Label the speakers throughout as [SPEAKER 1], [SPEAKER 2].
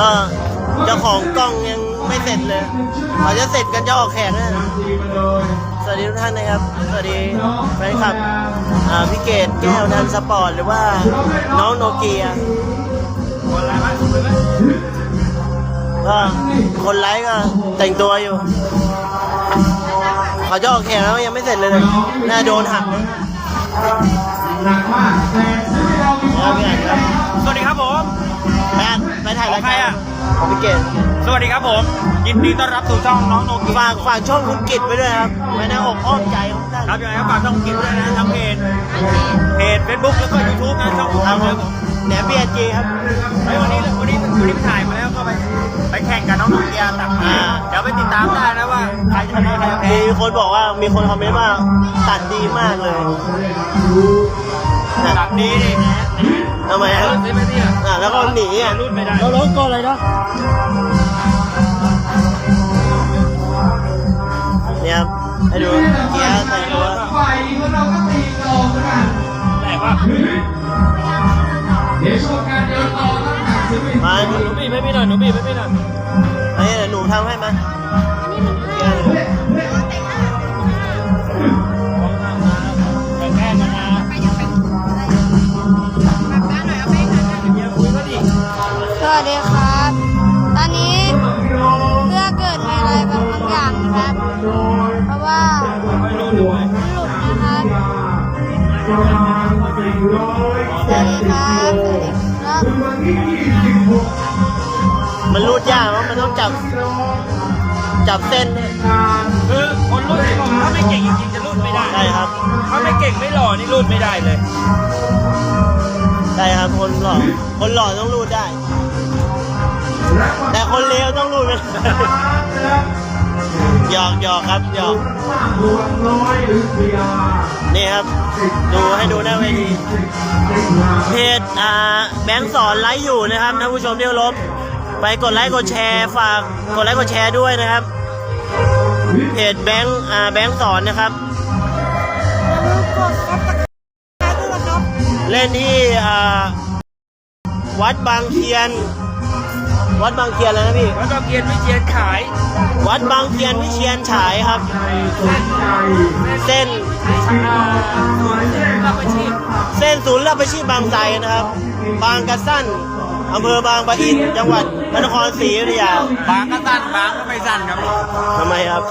[SPEAKER 1] ก็เจ้าของกล้องยังไม่เสร็จเลยเขาจะเสร็จกันจะออกแข่งนะสวัสดีทุกท่านนะครับสวัสดีแฟนคลับพี่เกดแก้วนันสปอร์ตหรือว่าน้องโนเกียก็คนไลฟ์ก็แต่งตัวอยู่เขาจะออกแข่งแล้วยังไม่เสร็จเลยน่าโดนหัก
[SPEAKER 2] สวัสดีครับผม
[SPEAKER 1] ไปถ่ายรายการของพี่เกด
[SPEAKER 2] สวัสดีครับผมยินดีต้อนรับสู่ช่องน้องโนเกีย
[SPEAKER 1] ฝากช่องคุณกิตไว้ด้วยครับไว้ในอกอ้อมใจของท่าน
[SPEAKER 2] ครับยังไงครับฝากช่องกิตด้วยนะทั้งเพจFacebook แล้วก็ YouTube นะช่องของเราครับผม
[SPEAKER 1] แหนมบีจีครับ
[SPEAKER 2] วันนี้ไปถ่ายมาแล้วก็ไปแข่งกับน้องโนเกียตัดมาเดี๋ยวไปติดตามได้นะว่าใครจะชนะใครจะแพ้
[SPEAKER 1] มีคนบอกว่ามีคนคอมเมนต์ว่าตัดดีมากเลย
[SPEAKER 2] ตัดดีดิ
[SPEAKER 1] ทำไมครับแล้วก็หนี
[SPEAKER 2] รุ่นไม่ได้
[SPEAKER 1] เราล้มก่อนเลยนะเนี่ยครับให้ดูเกียร์ใส่ตัว
[SPEAKER 2] แปลกว่า
[SPEAKER 1] มาหนู
[SPEAKER 2] บีบไม่หน่อยหนูบีบไม่หน่อย
[SPEAKER 1] ไอ้หนูทำให้มา
[SPEAKER 3] สวัสดีครับ ตอนนี้เพื่อเกิดมีอะไรบางอย่างนะครับ เพราะว่ามันหลุดนะครับสวัสดีครับ
[SPEAKER 1] มันรูดยากเพราะมันต้องจับเส้น
[SPEAKER 2] คือคนรุ่นที่บอกถ้าไม่เก่งจริงๆจะรุ่นไม่ได้
[SPEAKER 1] ใช่ครับ
[SPEAKER 2] ถ้าไม่เก่งไม่หล่อนี่รุ่นไม่ได้เลย
[SPEAKER 1] ใช่ครับคนหล่อต้องรูดได้แต่คนเลวต้องรูดไม่ได้หยอกครับหยอกนี่ครับดูให้ดูหน้าเวทีเพจแบงค์สอนไลฟ์อยู่นะครับท่านผู้ชมที่เคารพไปกดไลค์กดแชร์ฝากกดไลค์กดแชร์ด้วยนะครับเพจแบงค์สอนนะครับเล่นที่วัดบางเคียนแล้วนะพี่
[SPEAKER 2] วัดบางเคียนวิเชียรฉาย
[SPEAKER 1] วัดบางเคียนวิเชียรฉายครับเส้นศูนย์รับอาชีพบางไทรนะครับบางกระสั้นอำเภอบางปะอินจังหวัดพระนครศรีอยุธยา
[SPEAKER 2] บางก็สั้นบางก็ไม่สั้นครับ
[SPEAKER 1] ทำไมครับ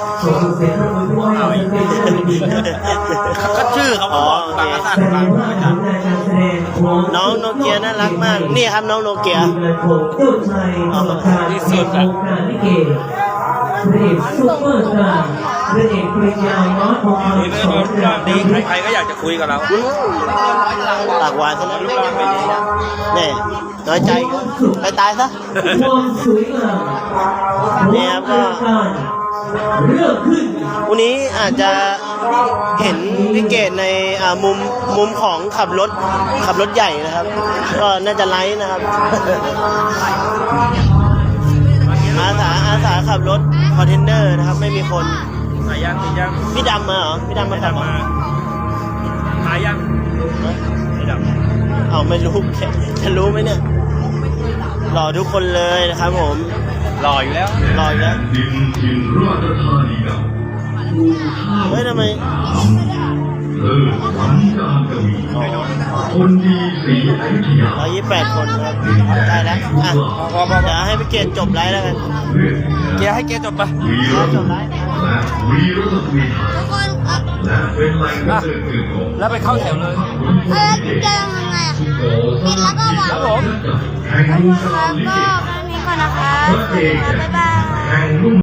[SPEAKER 2] ก็ชื่อเขาบอกบางก็สั้นบางก็ไม่สั้น
[SPEAKER 1] น้องโนเกียน่ารักมากนี่ครับน้องโนเกีย
[SPEAKER 2] ที่สุดอะ
[SPEAKER 4] ซุปเปอร์สตาร์พระเอกปริญญาน้อยของเรา
[SPEAKER 2] ดีใครก็อยากจะคุยกับเรา
[SPEAKER 1] ปากหวานซะแล้วเนี่ยน้อยใจไปตายซะเนี่ยครับก็วันนี้อาจจะเห็นพี่เกดในมุมของขับรถใหญ่นะครับก็น่าจะไลฟ์นะครับอาสาขับรถคอนเทนเนอร์นะครับไม่มีคน
[SPEAKER 2] หายัง
[SPEAKER 1] พี่ดำมาเหรอพี่ดำมาขับมา
[SPEAKER 2] หายัง
[SPEAKER 1] พี่ดำเอาไม่รู้จะรู้ไหมเนี่ยหล่อทุกคนเลยนะครับผม
[SPEAKER 2] หล่ออยู่แล้ว
[SPEAKER 1] เฮ้ยทำไม
[SPEAKER 4] คนดีสีอยุธยา
[SPEAKER 1] 128 คนครับได้แล้วเดี๋ยวให้พี่เกดจบไลฟ์แล้วกัน
[SPEAKER 2] เกียร์ให้เกียร์จบไป
[SPEAKER 1] จบไลฟ์
[SPEAKER 3] ทุกคน
[SPEAKER 2] แล้วไปเข้าแถวเลย
[SPEAKER 3] จะยังไงปิดแล้วก็วาง
[SPEAKER 2] ครับผม
[SPEAKER 3] ครับก็แค่นี้ก่อนนะคะบ๊ายบาย